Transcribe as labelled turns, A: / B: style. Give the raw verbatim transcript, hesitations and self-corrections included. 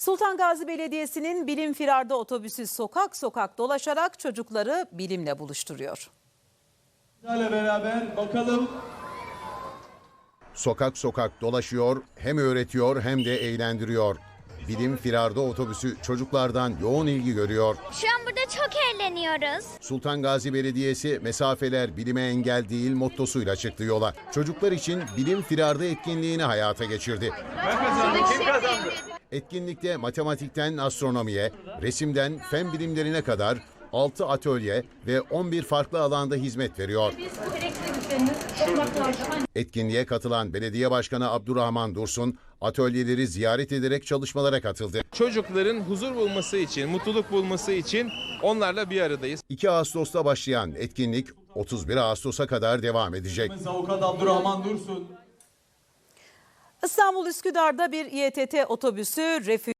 A: Sultan Gazi Belediyesi'nin Bilim Firarda otobüsü sokak sokak dolaşarak çocukları bilimle buluşturuyor.
B: Bizlerle beraber bakalım.
C: Sokak sokak dolaşıyor, hem öğretiyor hem de eğlendiriyor. Bilim Firarda otobüsü çocuklardan yoğun ilgi görüyor.
D: Şu an burada çok eğleniyoruz.
C: Sultan Gazi Belediyesi mesafeler bilime engel değil mottosuyla çıktı yola. Çocuklar için Bilim Firarda etkinliğini hayata geçirdi.
B: Ben kazandım. Kim kazandı?
C: Etkinlikte matematikten astronomiye, resimden fen bilimlerine kadar altı atölye ve on bir farklı alanda hizmet veriyor. Etkinliğe katılan Belediye Başkanı Abdurrahman Dursun, atölyeleri ziyaret ederek çalışmalara katıldı.
E: Çocukların huzur bulması için, mutluluk bulması için onlarla bir aradayız.
C: iki Ağustos'ta başlayan etkinlik otuz bir Ağustos'a kadar devam edecek.
B: Avukat Abdurrahman Dursun.
A: İstanbul Üsküdar'da bir İETT otobüsü refüj